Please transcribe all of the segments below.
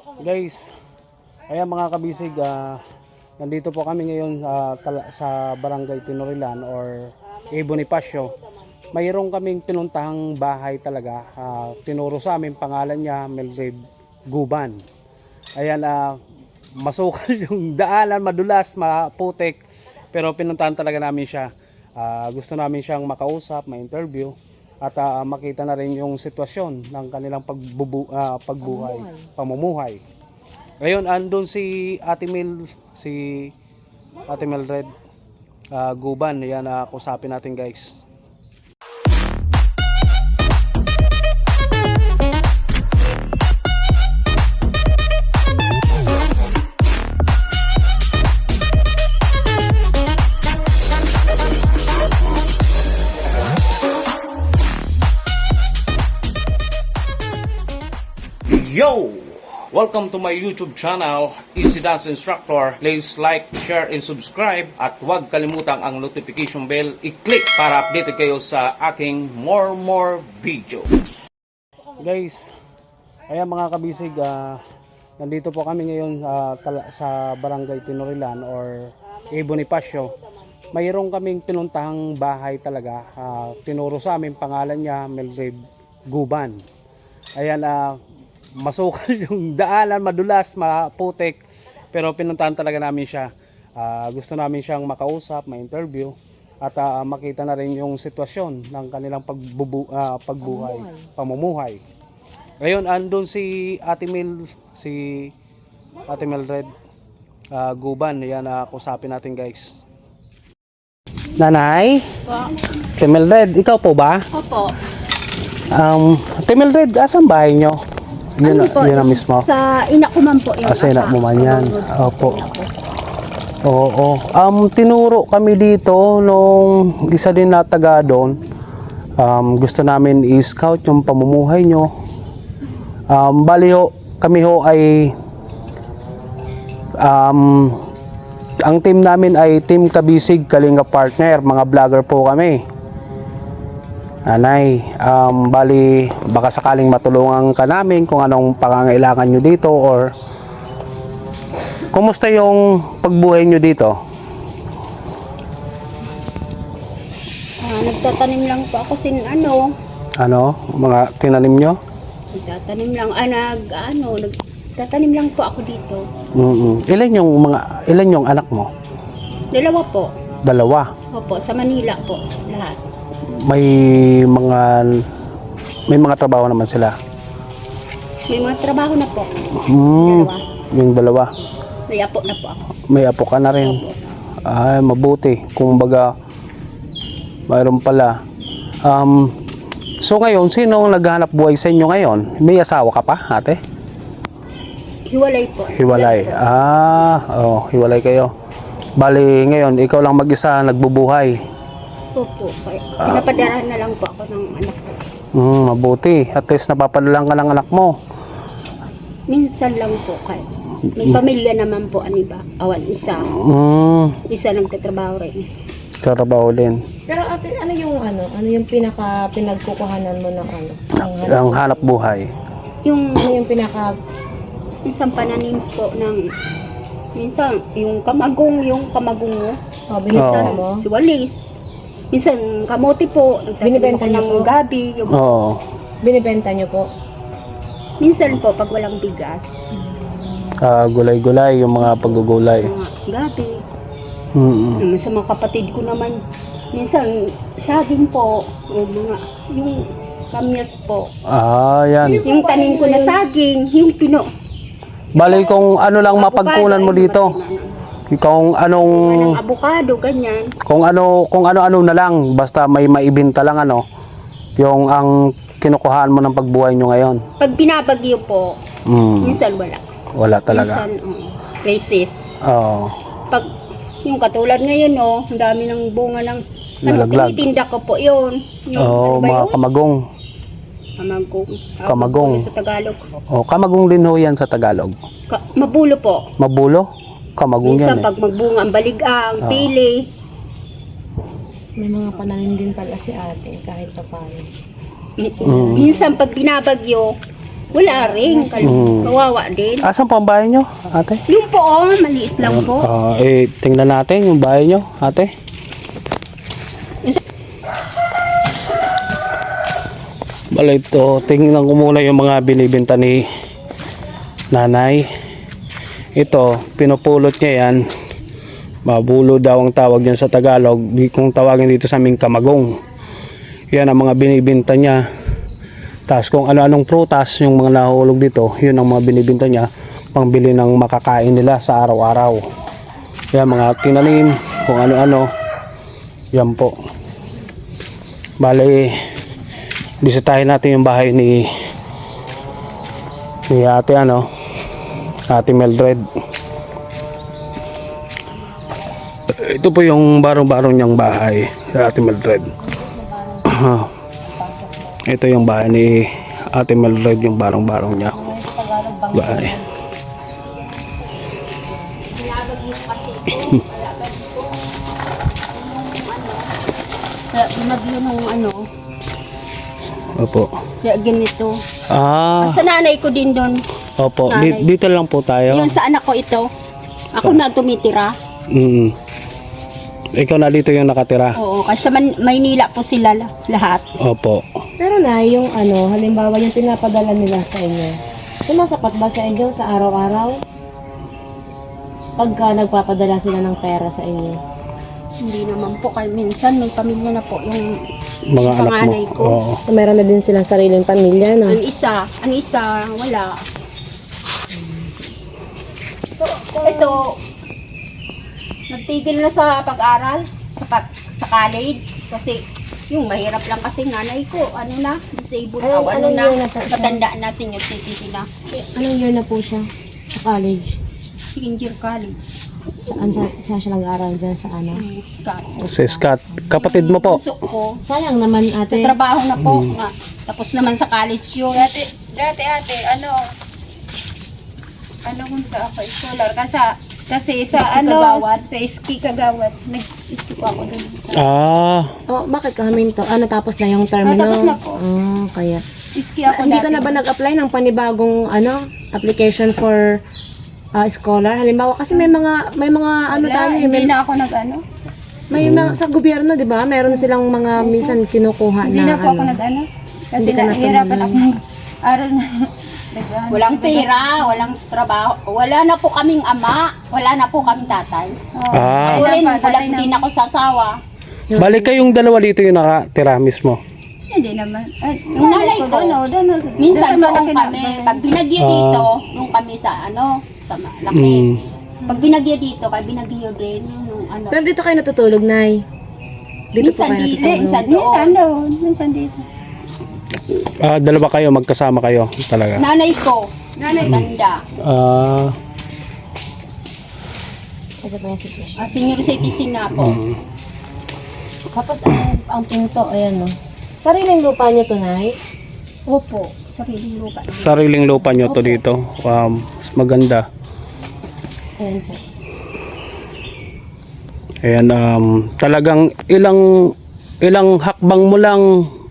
Guys, ayan mga kabisig, nandito po kami ngayon sa Barangay Tinorilan or Bonifacio. Mayroon kaming pinuntahang bahay talaga. Tinuro sa amin, pangalan niya Melgrave Guban. Ayan, masukal yung daanan, madulas, maputik. Pero pinuntahan talaga namin siya. Gusto namin siyang makausap, ma-interview. At makita na rin yung sitwasyon ng kanilang pagbuhay, pamumuhay. Ngayon, andun si Ate Mildred Guban. Yan, kusapin natin guys. Yo! Welcome to my YouTube channel, Easy Dance Instructor. Please like, share, and subscribe. At huwag kalimutang ang notification bell i-click para updated kayo sa aking more video. Guys, ayan mga kabisig, nandito po kami ngayon sa Barangay Tinorilan or Bonifacio. Mayroon kaming pinuntahang bahay talaga. Tinuro sa amin, pangalan niya Melgrave Guban. Ayan, masukal yung daanan, madulas, maputik. Pero pinuntahan talaga namin siya. Gusto namin siyang makausap, ma-interview. At makita na rin yung sitwasyon ng kanilang pagbuhay, pamumuhay. Ngayon, andun si Ate Mildred Guban. Yan, kusapin natin guys. Nanay? Po. Ate Mildred, ikaw po ba? Opo. Ate Mildred, asan bahay nyo? Yun na mismo. Sa ina ko man po yung sa ina mo man yan. Opo. Oo. Tinuro kami dito nung isa din na taga doon. Gusto namin i-scout yung pamumuhay nyo. Bali ho, kami ho ay ang team namin ay Team Kabisig Kalinga Partner. Mga vlogger po kami. Nanay, bali baka sakaling matulungan ka namin kung anong pangangailangan nyo dito or kumusta yung pagbuhay nyo dito? Nagtatanim lang po ako Ano? Mga tinanim nyo? Nagtatanim lang, nagtatanim lang po ako dito. Ilan yung anak mo? Dalawa po. Dalawa? Opo, sa Manila po, lahat. May mga trabaho naman sila? May mga trabaho na po. Dalawa. Yung dalawa? May apo na po ako. May apo ka na rin? Opo. Ay, mabuti. Kung baga, mayroon pala. So ngayon, sino ang naghahanap buhay sa inyo ngayon? May asawa ka pa, ate? Hiwalay po. Hiwalay. Hiwalay kayo. Bali, ngayon, ikaw lang mag-isa nagbubuhay. Opo. Pinapadarahan na lang po ako ng anak ko. Mabuti. At least napapadala ka ng anak mo. Minsan lang po kayo. May pamilya naman po, iba. Isa. Isa nagtatrabaho rin. Trabaho din. Pero ate, ano yung pinagkukuhanan mo ng Ang hanap buhay. Ano yung Minsan pananim po ng minsan yung kamagong mo. Binibenta mo? Si walis. Minsan kamote po, Binibenta niyo ng po? gabi. Binibenta nyo po? Minsan po pag walang bigas. Gulay-gulay, yung mga paggugulay. Mga gabi. Sa mga kapatid ko naman, minsan saging po, yung kamyas po. Yan. Yung tanim ko na saging, yung pino. Bali, kung ano lang mapagkunan mo dito. Kung anong Avocado, ganyan. kung ano na lang, basta may maibenta lang yung ang kinukuhaan mo ng pagbuhay nyo ngayon. Pag binabagyo po, minsan Wala talaga. Minsan, races. Oo. Pag yung katulad ngayon, ang dami ng bunga ng Nalaglag. tinitinda ko po yun. Yung, Mga kamagong. Kamagong. Sa Tagalog. Kamagong din ho yan sa Tagalog. Mabulo po. Mabulo? Kamagong Minsan yan pag magbunga ang baligang, pili. May mga pananim din pala si ate kahit pa paano. Minsan pag binabagyo, Wala rin. Kawawa din. Asan po ang bahay nyo, ate? Yung po, maliit lang po. Tingnan natin yung bahay nyo, ate. Bala ito, tingnan ko muna yung mga binibenta ni nanay. Ito, pinupulot niya yan. Mabulo daw ang tawag yan sa Tagalog. Kung tawagin dito sa aming kamagong. Yan ang mga binibenta niya. Tapos kung ano-anong prutas yung mga nahulog dito, yun ang mga binibenta niya pangbili ng makakain nila sa araw-araw. Yan mga tinanim, kung ano-ano. Yan po. Bale, bisitahin natin yung bahay ni ate Ate Mildred. Ito po yung barong-barong niyang bahay, Ate Mildred. Ito yung bahay ni Ate Mildred, yung barong-barong niya. Bahay. Nabyo ng Opo. kaya ganito. Ah, Sa nanay ko din doon. opo. Nanay. Dito lang po tayo. Yun sa anak ko ito. Ako na tumitira. Mm. Ikaw na dito yung nakatira. Oo, kasi sa Maynila po sila lahat. Opo. Pero na, yung halimbawa yung pinapadala nila sa inyo, sumasapat ba sa inyo sa araw-araw? Pagka nagpapadala sila ng pera sa inyo? Hindi naman po kay minsan may pamilya na po yung Mga anak mo. panganay ko. Oo. So, meron na din silang sariling pamilya, no? Ang isa wala. So, ito nagtigil na sa pag-aral sa college kasi yung mahirap lang kasi nanay ko disabled Anong year na po siya? matanda na senior citizen na Anong year na po siya sa college? second year college. Saan siya nag-aaral dyan sa ano? Si Scott. Kapatid mo po. Puso ko. Sayang naman ate. Trabaho na po. Tapos naman sa college yun. Dati ate, ano kung ako scholar kasi sa Ski Kagawad. sa ski kagawad, nag-ski po ako dun. Oh, bakit ka huminto? Natapos na yung term Natapos no? na po. Kaya. Ski ako Hindi dati. ka na ba nag-apply ng panibagong application for scholar? Halimbawa kasi may mga tayo Hindi na ako may mga sa gobyerno, 'di ba? Meron silang mga minsan kinukuha Hindi na na po ako kasi Hindi ka nahihirapan natumulan. akong aral na. Walang pera, walang trabaho. Wala na po kaming ama. Wala na po kaming tatay. Ah. Wala din ako sasawa. Balik kayong dalawa dito yung nakatira mismo. Hindi naman. Yung nanay ko, doon. minsan doon kami. Pag binagyo dito, nung kami sa sa laki. Pag binagyo dito, binagyo din. Yung Pero dito kayo natutulog, Nay. Dito po minsan kayo dito, natutulog. minsan Minsan doon. doon, minsan dito. Dalawa kayo, magkasama kayo talaga. Nanay ko, tanda. Ito pa yung situation. Senior citizen na ako. Tapos ang pinto, ayan no. Sariling lupa niyo to, Nay? Opo, sariling lupa. Sariling lupa nyo to dito. Mas maganda. Ayan po. Ayan, talagang ilang hakbang mo lang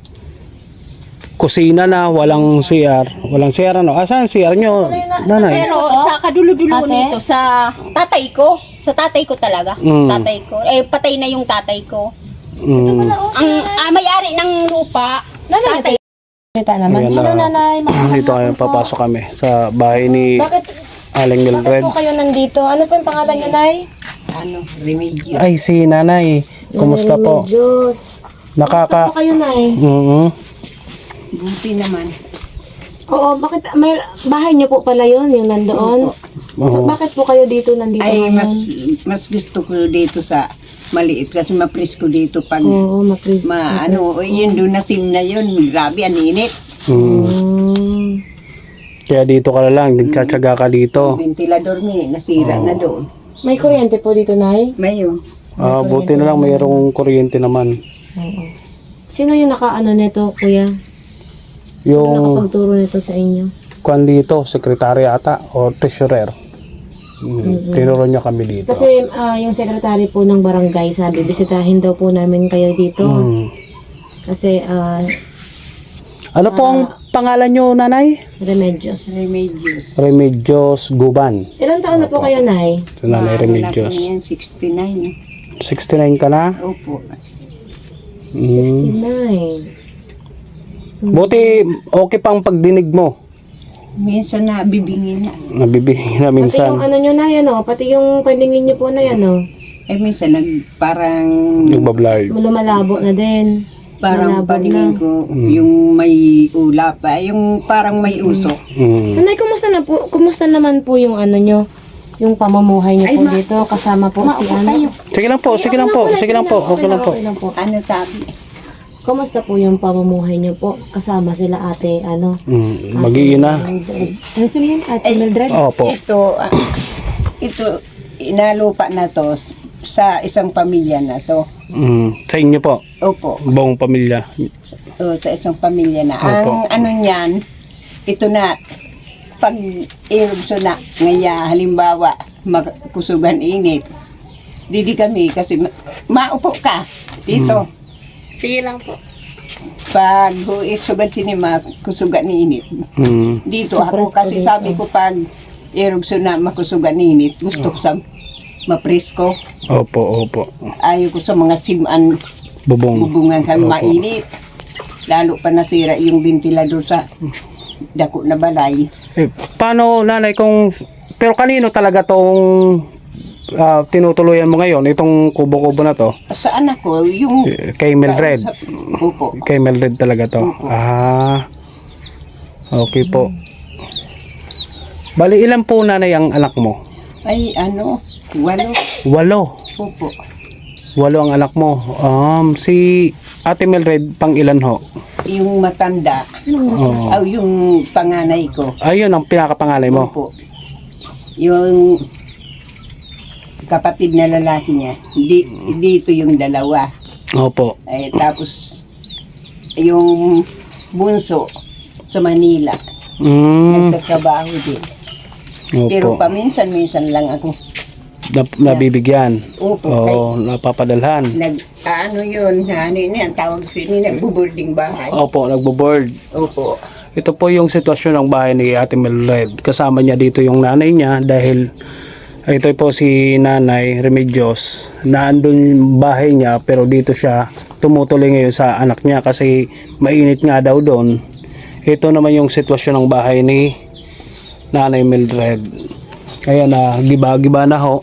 kusina na, walang CR. Walang CR ano? Asan CR nyo, nanay? Pero sa kadulo-dulo Ate? nito, sa tatay ko talaga. Mm. Tatay ko. Patay na yung tatay ko. Mm. Ang may-ari ng lupa, tatay. Kita naman. Ayan, Hello, Nanay. Dito kayo, papasok kami sa bahay ni Bakit Aling Mildred. po kayo nandito? Ano po yung pangalan niyo, Nay? Ay, si nanay. Kumusta po? Diyos. Nakaka... Ano kayo, Nay? Buti naman. Oo, bakit may bahay niyo po pala yun, yung nandoon? So, bakit po kayo dito nandito Ay, ngayon? mas gusto ko dito sa maliit kasi mapresko dito pag Oo, mapris. yun doon na sim na yun, grabe ang init. Kaya dito ka na lang, nagtsatsaga ka dito. Ventilador ni nasira na doon. May kuryente po dito, Nay? Mayo. Buti na lang mayroong kuryente naman. Oo. Sino yung nakaano nito, kuya? Sino Yung nakapagturo nito sa inyo? kwan dito, sekretary ata o treasurer. Tinuro niya kami dito. Kasi yung sekretary po ng barangay sabi, bisitahin daw po namin kayo dito. Kasi Ano po ang pangalan nyo, nanay? Remedios. Remedios Guban. Ilang taon na po kayo, Nay? So, nanay Ano na po Remedios. yan, 69. 69 ka na? Opo. Mm. 69. Buti, okay pang pagdinig mo. Minsan na bibingin na. Nabibigyan na Pati yung minsan. ano nyo, Nay, ano? Pati yung paningin nyo po, Nay, ano? Minsan parang Nagbablay. Lumalabo na din. parang malabo paningin na. ko yung may ulap pa, yung parang may usok. So, Nay, kumusta naman po yung ano nyo? Yung pamumuhay nyo po dito, kasama po si ano? Sige lang po, sige lang po, sige lang po, okay lang po. Okay lang po. Ano tabi? Kumusta po yung pamumuhay nyo po? Kasama sila ate, ano? Mag-iina. Ano sila yun? Ate Mildred? Opo. Ito, inalupa na to sa isang pamilya na to. Sa inyo po, Opo. buong pamilya. Sa isang pamilya na. Opo. Ang ano niyan, ito na, pag erupso na, ngaya halimbawa, magkusugan init, didi kami kasi maupo ka dito. Sige lang po. Pag sugan sinima, kusugan ni init. Dito ako kasi sabi ko pag erupso na makusugan ni init, gusto ko sa mapresko. Opo, opo. Ayaw ko sa mga siman, Bubong. bubungan kami Opo. mainit. Lalo pa nasira yung ventilador sa dako na balay. Paano, nanay, pero kanino talaga tong tinutuluyan mo ngayon, itong kubo-kubo na to? Sa anak ko, yung... Kay Mildred. Opo. Kay Mildred talaga to. Opo. Okay po. Bali, ilan po, nanay, ang anak mo? Ay, 8. 8. Opo. 8 ang anak mo. Si Ate Mildred, pang ilan ho? Yung matanda. Oo. Yung panganay ko. Ayun ang pinakapangalay mo. Opo. Yung kapatid na lalaki niya. Dito yung dalawa. Opo. Tapos, yung bunso sa Manila. Mm. Nagtatrabaho din. Opo. Pero paminsan-minsan lang ako. Nabibigyan. Opo. Oo, napapadalhan. Ano yun, ang tawag sini, nagbo-boarding bahay. Opo, nagbo-board. Opo. Ito po yung sitwasyon ng bahay ni Ate Mildred. Kasama niya dito yung nanay niya dahil ito po si Nanay Remedios. Naandun yung bahay niya pero dito siya tumutuloy ngayon sa anak niya kasi mainit nga daw doon. Ito naman yung sitwasyon ng bahay ni Nanay Mildred. Ayan na, giba-giba na ho.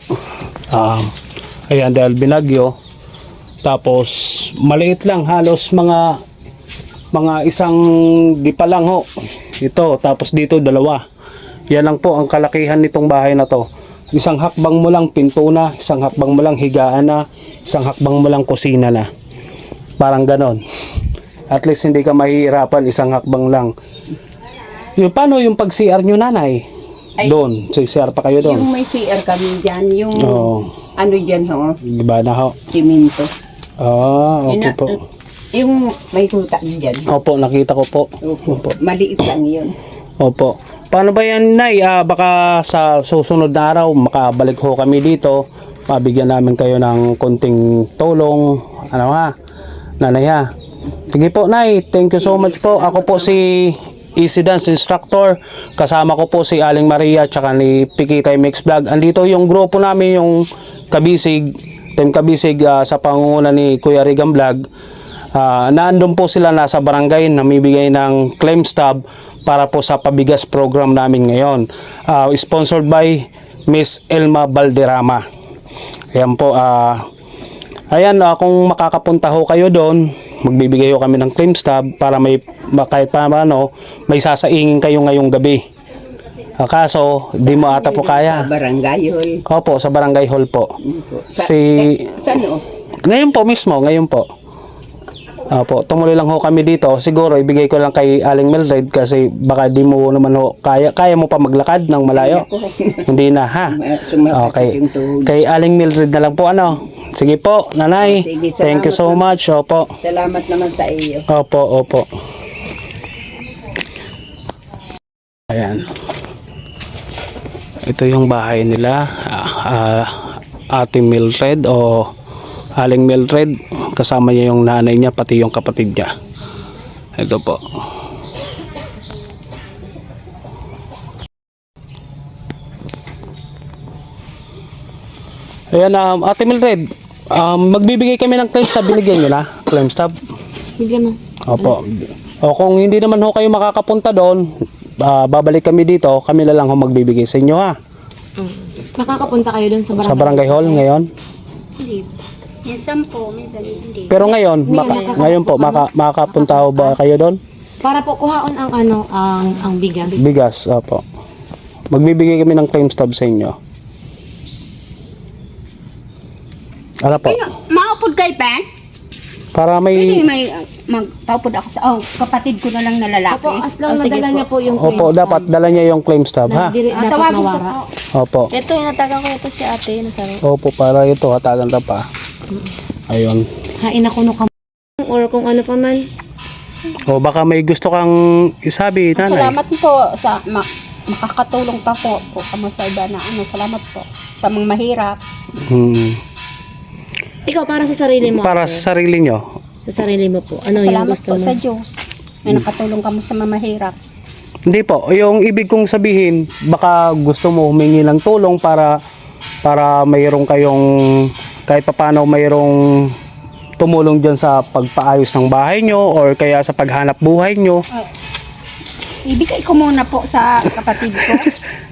Ayan dahil binagyo. Tapos maliit lang, halos mga isang gipa lang ho. Ito, tapos dito 2. Yan lang po ang kalakihan nitong bahay na to. Isang hakbang mo lang pinto na, isang hakbang mo lang higaan na, isang hakbang mo lang kusina na. Parang ganon. At least hindi ka mahihirapan, isang hakbang lang. Yung paano yung pag-CR nyo, nanay? Doon, CR pa kayo doon? Yung may CR kami dyan, yung Oo. ano dyan ho, Diba na ho? simento. Okay po. Yung may tuta dyan. Opo, nakita ko po. Opo. Maliit lang yun. Opo. Paano ba yan, Nay? Baka sa susunod na araw, makabalik ho kami dito. Mabigyan namin kayo ng konting tulong. Ano ha? Nanay ha? Sige po, Nay. Thank you so much po. Ako po si Easy Dance Instructor. Kasama ko po si Aling Maria tsaka ni Pikitay Mix Vlog. Andito yung grupo namin, yung Kabisig, Team Kabisig sa pangunguna ni Kuya Rigan Vlog. Naandun po sila nasa barangay, namibigay ng claim stub para po sa pabigas program namin ngayon. Sponsored by Miss Elma Balderrama. Ayan po. Ayan, kung makakapunta ho kayo doon, magbibigay ho kami ng claim stub para may kahit paano may sasaingin kayo ngayong gabi. Kaso, di mo ata po kaya. Sa barangay hall. Opo, sa barangay hall po. Saan o? Ngayon po mismo, ngayon po. Opo, tumuloy lang ho kami dito. Siguro ibigay ko lang kay Aling Mildred kasi baka di mo naman ho kaya mo pa maglakad ng malayo. Hindi na ha. Okay. Kay Aling Mildred na lang po ano. Sige po, nanay. Sige, Thank you so much. Opo. Salamat naman sa iyo. Opo, opo. Ayan. Ito yung bahay nila. Ate Mildred o Aling Mildred, kasama niya yung nanay niya pati yung kapatid niya. Ito po. Ayan, Ate Mildred, magbibigay kami ng claim stub. Binigyan nyo na? Claim stub? Bigyan mo. Opo. O kung hindi naman ho kayo makakapunta doon, babalik kami dito. Kami na lang ho magbibigay sa inyo, ha? Makakapunta kayo dun sa barangay. Sa barangay hall ngayon. Hindi. Minsan po, minsan hindi. Pero ngayon, ngayon po, makapunta ho ba kayo doon? Para po kuhaon ang ang bigas. Bigas, opo. Magbibigay kami ng claim stub sa inyo. Ano po? Maupod kay Pen? Para Pwede may... may magpaupod ako sa kapatid ko na lang na lalaki. Opo, as long Sige nadala po. niya po yung Opo, dapat dala niya yung claim stub, ha? dapat Tawagin ko nawara. po. Opo. Ito, inatagan ko ito si ate. Nasaro. Opo, para ito, hatagan ta pa. Ayun. Hain ako no kam or kung ano pa man. O baka may gusto kang isabi, nanay. Salamat po sa makakatulong pa po kamo sa iba na salamat po sa mga mahirap. Ikaw para sa sarili mo. Para ate. sa sarili nyo. Sa sarili mo po. Ano yung Salamat gusto po mo? sa Diyos. May nakatulong kamo sa mga mahirap. Hindi po, yung ibig kong sabihin, baka gusto mo humingi ng tulong para mayroong kayong, kahit papaano mayroong tumulong dyan sa pagpaayos ng bahay nyo or kaya sa paghanap buhay nyo. Ibigay ko muna po sa kapatid ko.